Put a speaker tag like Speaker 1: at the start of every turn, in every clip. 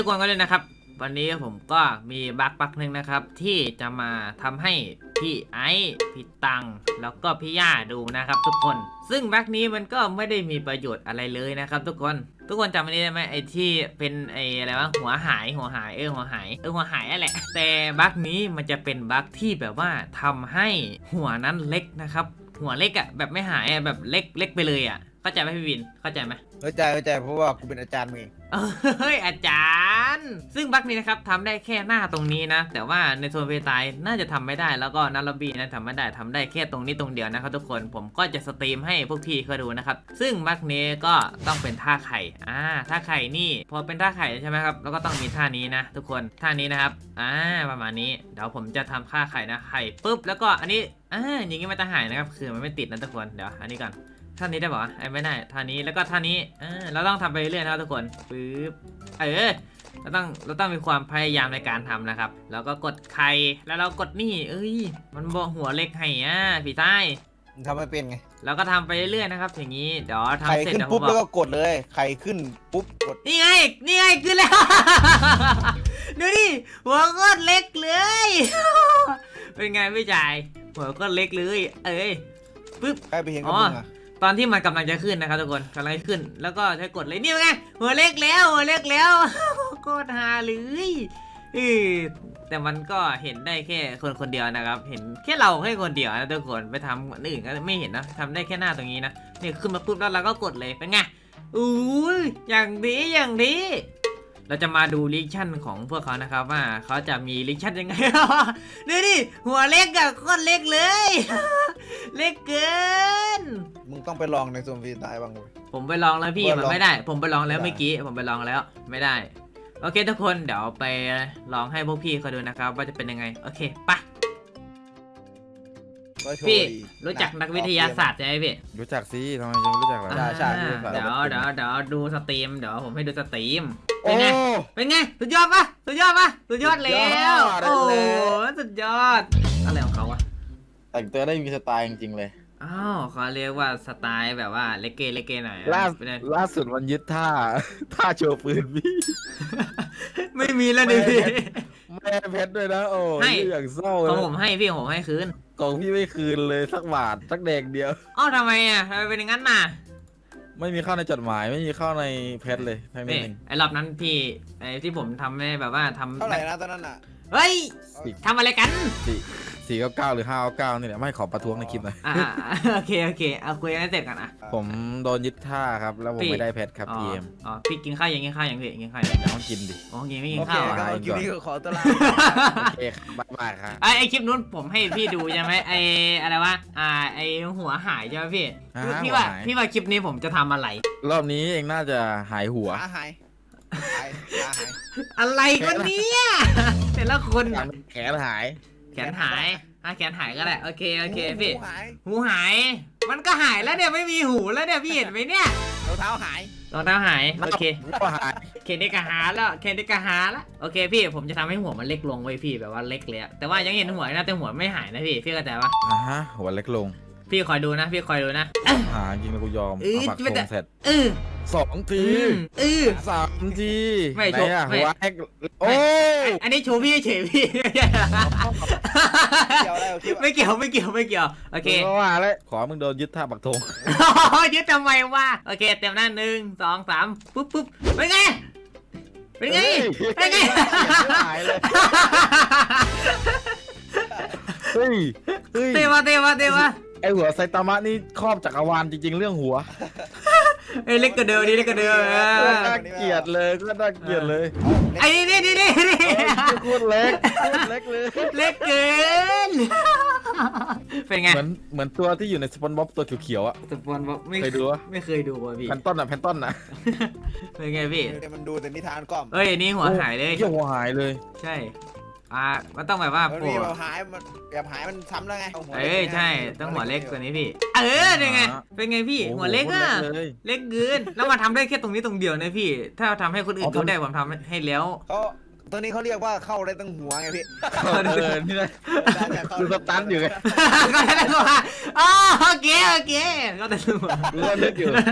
Speaker 1: ทุกคนก็เลยนะครับวันนี้ผมก็มีบั๊กหนึ่งนะครับที่จะมาทำให้พี่ไอซ์พี่ตังแล้วก็พี่ย่าดูนะครับทุกคนซึ่งบั๊กนี้มันก็ไม่ได้มีประโยชน์อะไรเลยนะครับทุกคนจำอันนี้ได้ไหมไอที่เป็นไออะไรวะหัวหายหัวหายนั่นแหละแต่บั๊กนี้มันจะเป็นบั๊กที่แบบว่าทำให้หัวนั้นเล็กนะครับหัวเล็กอะแบบไม่หายอะแบบเล็กไปเลยอะเข้าใจไหมพี่วินเข้าใจไหม
Speaker 2: เข้าใจเพราะว่ากูเป็นอาจารย์มึงเอง
Speaker 1: เฮ้ยอาจารย์ซึ่งบั๊กนี้นะครับทำได้แค่หน้าตรงนี้นะแต่ว่าในโซนเพตายน่าจะทำไม่ได้แล้วก็นาร์ลบีนะทำไม่ได้ทำได้แค่ตรงนี้ตรงเดียวนะครับทุกคนผมก็จะสตรีมให้พวกพี่เขาดูนะครับซึ่งบั๊กนี้ก็ต้องเป็นท่าไข่ท่าไข่นี่พอเป็นท่าไข่ใช่ไหมครับแล้วก็ต้องมีท่านี้นะทุกคนท่านี้นะครับประมาณนี้เดี๋ยวผมจะทำท่าไข่นะไข่ปุ๊บแล้วก็อันนี้อย่างงี้ไม่ต้องหายนะครับคือมันไม่ติดนะทุกคนเดี๋ยวอันนี้ก่อนท่านี้ได้ป่ะไม่ได้ท่านี้แล้วก็ท่านี้เราต้องทำไปเรื่อยๆนะครับทุกคนปึ๊บเราต้องมีความพยายามในการทำนะครับแล้วก็กดไข่แล้วเรากดนี่มันบอกหัวเล็กให้ผีใต้
Speaker 2: ทำไม่เป็นไง
Speaker 1: เราก็ทำไปเรื่อยๆนะครับอย่างนี้เดี๋ยวทำ
Speaker 2: ไข่
Speaker 1: เสร็จ
Speaker 2: ขึ้นปุ๊บแล้วก็กดเลยไข่ขึ้นปุ๊บกด
Speaker 1: นี่ไงขึ้นแล้ว ดูดิหัวก็เล็กเลยเป็นไงพี่จ่ายหัวก็เล็กเลยปึ๊บ
Speaker 2: ใครไปเห็นกับมึงอะ
Speaker 1: ตอนที่มันกำลังจะขึ้นนะครับทุกคนกำลังจะขึ้นแล้วก็ใช้กดเลยนี่ไงหัวเล็กแล้วโคตรฮาเลยแต่มันก็เห็นได้แค่คนเดียวนะครับเห็นแค่เราแค่คนเดียวนะทุกคนไปทำคนอื่นก็ไม่เห็นนะทำได้แค่หน้าตรงนี้นะนี่ขึ้นมาปุ๊บแล้วเราก็กดเลยเป็นไงอย่างดีเราจะมาดูรีแอคชั่นของพวกเขานะครับว่าเขาจะมีรีแอคชั่นยังไงนี่หัวเล็กอะโคตรเล็กเลย เล็กเกิน
Speaker 2: มึงต้องไปลองในโซนฟรีสไตล์บ้างเลย
Speaker 1: ผมไปลองแล้วพี่มันไม่ได้ผมไปลองแล้วเมื่อกี้ผมไปลองแล้วไม่ได้โอเคทุกคนเดี๋ยวไปลองให้พวกพี่เขาดูนะครับว่าจะเป็นยังไงโอเคไปพี่รู้จักนักวิทยาศาสตร์ใช่ไหมพี่
Speaker 3: รู้จักสิทำไมยังรู้จักล่ะ
Speaker 2: ใช่
Speaker 1: เดี๋ยวดูสตรีมเดี๋ยวผมให้ดูสตรีมเป็นไงสุดยอดปะสุดยอดแล้วโอ้สุดยอดอะไรของเขาอะ
Speaker 3: แต่งตัวได้มีสไตล์จริงๆเลย
Speaker 1: เขาเรียกว่าสไตล์แบบว่าเลเกหน่อย
Speaker 3: ล่าสุดมันยึดท่าโชว์ปืนพี่
Speaker 1: ไม่มีแล้วดิพี่
Speaker 3: แม่เพชรด้วยนะโอ้ยอย่างเศร้า
Speaker 1: ของผมให้พี่ผมให้คืน
Speaker 3: ของพี่ไม่คืนเลยสักบาทสักแดงเดียว
Speaker 1: ทำไมเป็นอย่างนั้นน่ะ
Speaker 3: ไม่มีเข้าในจดหมายไม่มีเข้าในเพชรเลยทั้งนี้
Speaker 1: ไอ้รอบนั้นพี่ไอ้ที่ผมทำไม่แบบว่าทำ
Speaker 2: เท่าไหร่นะตอนนั้นอ่ะ
Speaker 1: เฮ้ยทำอะไรกัน
Speaker 3: 499หรือ599นี่แหละไม่ขอประท้วงในคลิปหน่อย
Speaker 1: โอเคเอาคุยกันให้เสร็จกันนะ
Speaker 3: ผมโดนยึดท่าครับแล้วผมไม่ได้เพชรครับพีเอ็ม
Speaker 1: พี่กินข้าวยังกินข้าว
Speaker 3: ต้องกินดิ
Speaker 1: ไม่กินข้าว
Speaker 2: คลิปนี้ขอตัวลา
Speaker 3: โอเคบายครับ
Speaker 1: ไอคลิปนู้นผมให้พี่ดูใช่ไหมไออะไรวะไอหัวหายใช่ไหมพี่ว่าคลิปนี้ผมจะทำอะไร
Speaker 3: รอบนี้เองน่าจะหายหัว
Speaker 2: หาย
Speaker 1: อะไรกันเนี่ยแต่ละคน
Speaker 3: แขนหาย
Speaker 1: แขนหายก็ได้โอเคพี่หูหายมันก็หายแล้วเนี่ยไม่มีหูแล้วเนี่ยพี่เห็นไหมเนี่ย
Speaker 2: รองเท้าหาย
Speaker 1: โอเคเคนได้กระหาแล้วโอเคพี่ผมจะทำให้หัวมันเล็กลงไว้พี่แบบว่าเล็กเลยแต่ว่ายังเห็นหัวนะแต่หัวไม่หายนะพี่เข้าใจปะ
Speaker 3: หัวเล็กลง
Speaker 1: พี่คอยดูนะ
Speaker 3: จริงแล้วกูยอมเอาปักธงเสร็จ2 ที3 ที
Speaker 1: ไม่โชว์
Speaker 3: หัวเล็กโอ้
Speaker 1: อันนี้โชว์พี่เฉยพี่ไม่เกี่ยวโอเค
Speaker 3: ว่าแล้วขอมึงโดนยึดท่าปักธง
Speaker 1: ยึดทำไมวะโอเคเต็มหน้า1 2 3ปุ๊บเป็นไง
Speaker 3: หายเลย
Speaker 1: เตวะ
Speaker 3: ไอหัวไซตามะนี่ครอบจักรวาลจริงๆเรื่องหัว
Speaker 1: เล็กกระเดือน่
Speaker 3: าเกลียดเลย
Speaker 1: ไอ้นี่
Speaker 3: โคตรเล็กเลย
Speaker 1: เล็กเกินเป็นไง
Speaker 3: เหมือนตัวที่อยู่ในสปอนบ๊อบตัวเขียวๆอะ
Speaker 1: สปอนบ๊อบไม่เคยดูว่ะพี่
Speaker 3: แพนต้นนะ
Speaker 1: เป็นไงพี่
Speaker 2: มันดูแต่นิทานก้อม
Speaker 1: นี่หัวหายเลย
Speaker 3: หัวหายเลย
Speaker 1: ใช่มันต้องแบบว่า
Speaker 2: โผล่หายมันซ้ำแล้วไง
Speaker 1: ใช่ต้องหัวเล็กกว่านี้พี่เป็นไงพี่หัวเล็กอะเล็กเกินแล้วมาทำได้แค่ตรงนี้ตรงเดียวนะพี่ถ้าทำให้คนอื่นดูได้ผมทำให้แล้ว
Speaker 2: ตัวนี้เขาเรียกว่าเข้าได้ตั้งหัวไงพี่
Speaker 3: นี่นะคือสตันอยู่ไง
Speaker 1: ก็ได้ตั้งหัวโอเคก็ได้ตั้งหัว
Speaker 3: เลือกอยู่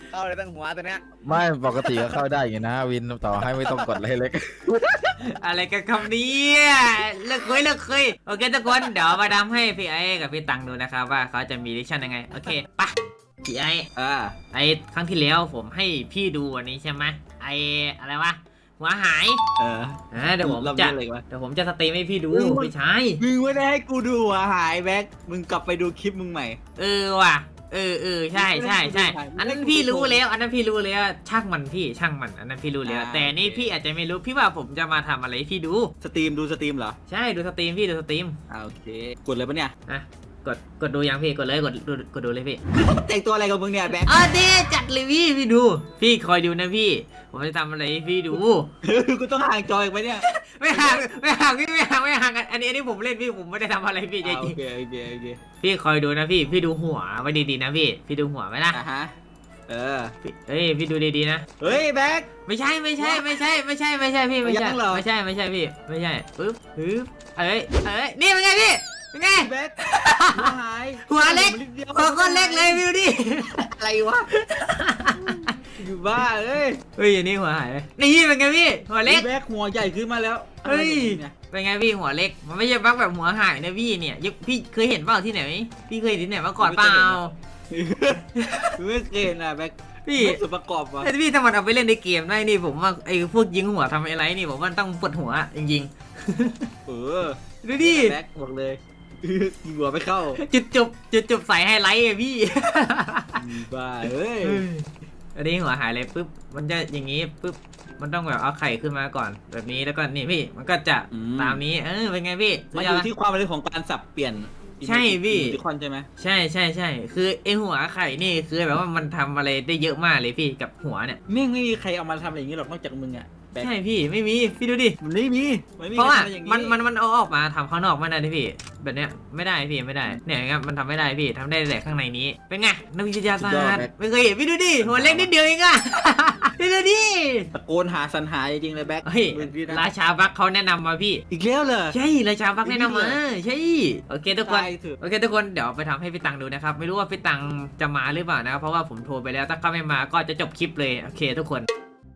Speaker 2: เข้าได้ตั้งหัวตัวเนี้ย
Speaker 3: ไม่ปกติก็เข้าได้อยู่นะวินต่อให้ไม่ต้องกดอะไรเล็ก
Speaker 1: อะไรกันคำนี้เลิกเคยโอเคทุกคนเดี๋ยวมาทำให้พี่ไอ้กับพี่ตังดูนะครับว่าเขาจะมีดิชั่นยังไงโอเคปะพี่ไอ้ไอ้ครั้งที่แล้วผมให้พี่ดูอันนี้ใช่ไหมไอ้อะไรวะหัวหายเดี๋ยวผมจะสตรีมให้พี่ดูพี่ชาย
Speaker 4: มึงไม่ได้ให้กูดูหัวหายแบ็คมึงกลับไปดูคลิปมึงใหม่
Speaker 1: ว่ะใช่อันนั้นพี่รู้แล้วอันนั้นพี่รู้แล้วช่างมันพี่ช่างมันอันนั้นพี่รู้แล้วแต่นี่พี่อาจจะไม่รู้พี่ว่าผมจะมาทำอะไรให้พี่ดู
Speaker 4: สตรีมดูสตรีมเหรอ
Speaker 1: ใช่ดูสตรีมพี่ดูสตรีม
Speaker 4: โอเคกดเลยปะเนี่ย
Speaker 1: อ่ะกดดูยังพี่กดเลยกดดูเลยพี่
Speaker 4: แต่งตัวอะไรกับมึงเนี่ยแบ็ค
Speaker 1: เด้จัดเลยพี่ดู พี่คอยดูนะพี่ผมจะทำอะไรให้พี่ดู
Speaker 4: กูต้องห่างจออีกไหมเนี่ย
Speaker 1: ไม่ห่างพี่ไม่ห่างกันอันนี้ผมเล่นพี่ผมไม่ได้ทำอะไรพี่จ
Speaker 4: โอ
Speaker 1: ริง
Speaker 4: เค
Speaker 1: พี่คอยดูนะพี่ดูหัวไว้ดีๆนะพี่ดูหัวไว้นะ
Speaker 4: ฮะ
Speaker 1: พี่ดูดีๆนะ
Speaker 4: เฮ้ยแบ็ค
Speaker 1: ไม่ใช่พี่ไม่ใช่พี่ไม่ใช่ไม่ใช่พี่ไม่ใช่นี่เป็นไงพี่เป็นไง
Speaker 4: แบ็คหัวหาย
Speaker 1: หัวเล็กหัวก้อนเล็กเลยวิวดิ
Speaker 4: อะไรวะอยู่บ้าเอ้ย
Speaker 1: อันนี้หัวหายนี่เป็นไงพี่หัวเล็ก
Speaker 4: แบ็คหัวใหญ่ขึ้นมาแล้ว
Speaker 1: เป็นไงพี่หัวเล็กมันไม่ใช่บั๊กแบบหัวหายนะพี่เนี่ยพี่เคยเห็นเปล่าที่ไหนพี่เคยเห็นที่ไหนมาก่อนเปล่า
Speaker 4: ไม่เคยนะแบ็ค
Speaker 1: พี่
Speaker 4: ส่วนประกอบวะ
Speaker 1: แต่พี่ถ้ามันเอาไปเล่นในเกมได้นี่ผมว่าไอ้พวกยิงหัวทำอะไรนี่ผมว่าต้องปวดหัวจริงดูดิ
Speaker 4: แบ็คบอกเลยหัวไม่เข้า
Speaker 1: จุดจบใส่ไฮไลท์อะพี่
Speaker 4: บ้าเอ้ย
Speaker 1: อันนี้หัวหายเลยปุ๊บมันจะอย่างนี้ปุ๊บมันต้องแบบเอาไข่ขึ้นมาก่อนแบบนี้แล้วก็นี่พี่มันก็จะตามนี้เป็นไงพี่
Speaker 4: มันอยู่ที่ความรู้ของการสับเปลี่ยน
Speaker 1: ใช่พี่
Speaker 4: ทุกคนใช่ไหม
Speaker 1: ใช่คือไอหัวไข่นี่คือแบบว่ามันทำอะไรได้เยอะมากเลยพี่กับหัวเนี่ย
Speaker 4: ไม่มีใครเอามาทำอะไรอย่างนี้หรอกนอกจากมึงอ่ะ
Speaker 1: ใช่พี่ไม่มีพี่ดูดิ
Speaker 4: มันไม่มี
Speaker 1: เพราะว่ามันเอาออกมาทำข้างนอกไม่ได้พี่แบบเนี้ยไม่ได้พี่ไม่ได้เนี่ยครับมันทำไม่ได้พี่ทำได้แต่ข้างในนี้เป็นไงนักวิทยาศาสตร์ไม่เคยเห็นพี่ดูดิหัวเล็กนิดเดียวเองอะพี่ดูดิ
Speaker 4: ตะโกนหาสรรหาจริงๆเลยแบ็ค
Speaker 1: เฮ้ยราชาบักเขาแนะนำมาพี่
Speaker 4: อีกแล้วเหรอ
Speaker 1: ใช่ราชาบักแนะนำมาใช่โอเคทุกคน
Speaker 4: ตายเถอะ
Speaker 1: โอเคทุกคนเดี๋ยวไปทำให้พี่ตังดูนะครับไม่รู้ว่าพี่ตังจะมาหรือเปล่านะครับเพราะว่าผมโทรไปแล้วถ้าเขาไม่มาก็จะจบคลิปเลยโอเคทุกคน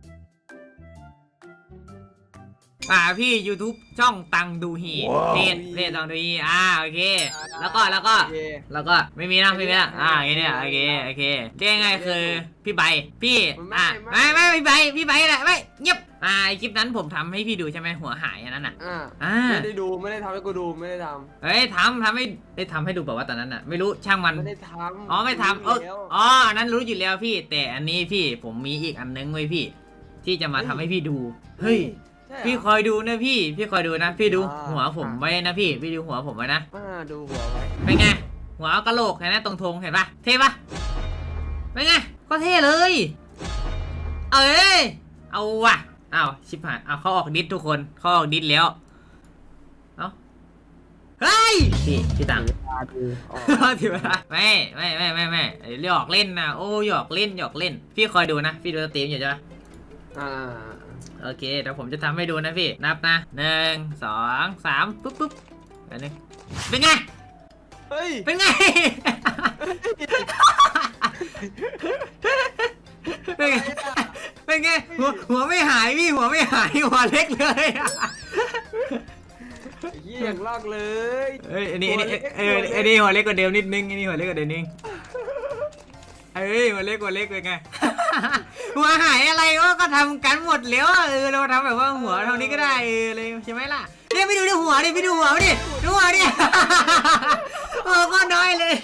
Speaker 1: พี่ YouTube ช่องตังดูฮีเพจตังดูฮีโอเคแล้วก็ไม่มีนะโอเคเนี่ยโอเคเรียกไงคือพี่ใบพี่ไม่พี่ใบแหละไม่เงียบไอคลิปนั้นผมทำให้พี่ดูใช่ไหมหัวหายอันนั้นอ่ะ
Speaker 5: ไม่ได้ดูไม่ได้ทำให้กูดูไม่ได้ทำ
Speaker 1: เฮ้ยทำให้ได้ทำให้ดูแบบว่าตอนนั้นอ่ะไม่รู้ช่างมัน
Speaker 5: ไม่ได้ทำ
Speaker 1: ไม่ทำอันนั้นรู้อยู่แล้วพี่แต่อันนี้พี่ผมมีอีกอันนึงไว้พี่ที่จะมาทำให้พี่ดูเฮ้ยพี่คอยดูนะพี่คอยดูนะพี่ดูหัวผมไว้นะพี่ดูหัวผมไว้นะ
Speaker 5: ดูหัวไว้
Speaker 1: เป็นไงหัวกะโหลกเห็นไหมตรงธงเห็นปะเท่ปะเป็นไงก็เท่เลยเอาว่ะชิบหายเขาออกดิสทุกคนเขาออกดิสแล้วเฮ้ยพี่ตังถือว่าไม่หยอกเล่นนะโอ้หยอกเล่นพี่คอยดูนะพี่ดูสตรีมอยู่ใช่ปะโอเคเดี๋ยวผมจะทำให้ดูนะพี่นับนะ1 2 3ปุ๊บอันนี้เป็นไงเป็นไงหัวไม่หายพี่หัวไม่หายหัวเล็กเลย
Speaker 5: ยี่อย่างลอกเลย
Speaker 1: อันนี้หัวเล็กกว่าเดิมนิดนึงอันนี้หัวเล็กกว่าเดิมนิดนึงหัวเล็กเป็นไงหัวหายอะไรก็ทำกันหมดแล้วเราทำแบบว่าหัวเท่านี้ก็ได้เลยใช่ไหมล่ะเนี่ยไปดูหัวดิดูหัวดิโอ้ก็น้อยเลย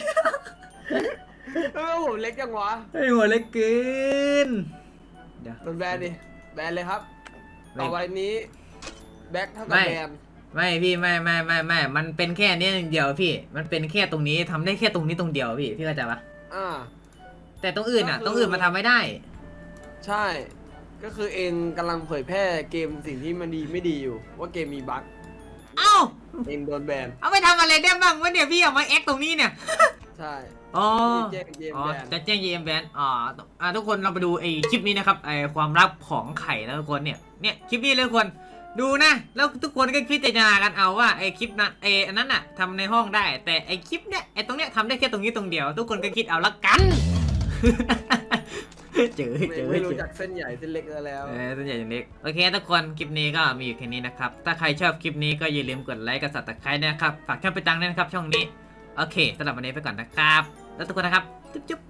Speaker 5: ผมเล็กจังวะ
Speaker 1: หัวเล็กเกิน
Speaker 5: โดนแบนดิแบนเลยครับต่อไปนี้แบ็คเท่ากับแบน
Speaker 1: ไม่พี่ไม่มันเป็นแค่นี้อย่างเดียวพี่มันเป็นแค่ตรงนี้ทำได้แค่ตรงนี้ตรงเดียวพี่เข้าใจปะแต่ตรงอื่นตรงอื่นมันทำไม่ได้
Speaker 5: ใช่ก็คือเองกำลังเผยแพร่เกมสิ่งที่มันดีไม่ดีอยู่ว่าเกมมีบั๊กเองโดนแบน
Speaker 1: เอาไปทำอะไรได้บ้างวะเนี่ยพี่เอามาแอคตรงนี้เนี่ย
Speaker 5: ใช่
Speaker 1: จะแจ้งเกมแบนทุกคนเราไปดูไอคลิปนี้นะครับไอความลับของไข่นะทุกคนเนี่ยคลิปนี้เลยทุกคนดูนะแล้วทุกคนก็พิจารณากันเอาว่าไอคลิปนั้นอันนั้นน่ะทำในห้องได้แต่ไอคลิปเนี้ยไอตรงเนี้ยทำได้แค่ตรงนี้ตรงเดียวทุกคนก็คิดเอาละกันเจอ
Speaker 5: ไม่รู้จักเส้นใหญ่เส้นเล็กแล้ว
Speaker 1: ส่วนใหญ่อย่างเล็กโอเคทุกคนคลิปนี้ก็มีอยู่แค่นี้นะครับถ้าใครชอบคลิปนี้ก็อย่าลืมกดไลค์กับสับตะไคร้นะครับฝากช่องไปตังด้วยนะครับช่องนี้โอเคสำหรับวันนี้ไปก่อนนะครับแล้วทุกคนนะครับจุ๊บ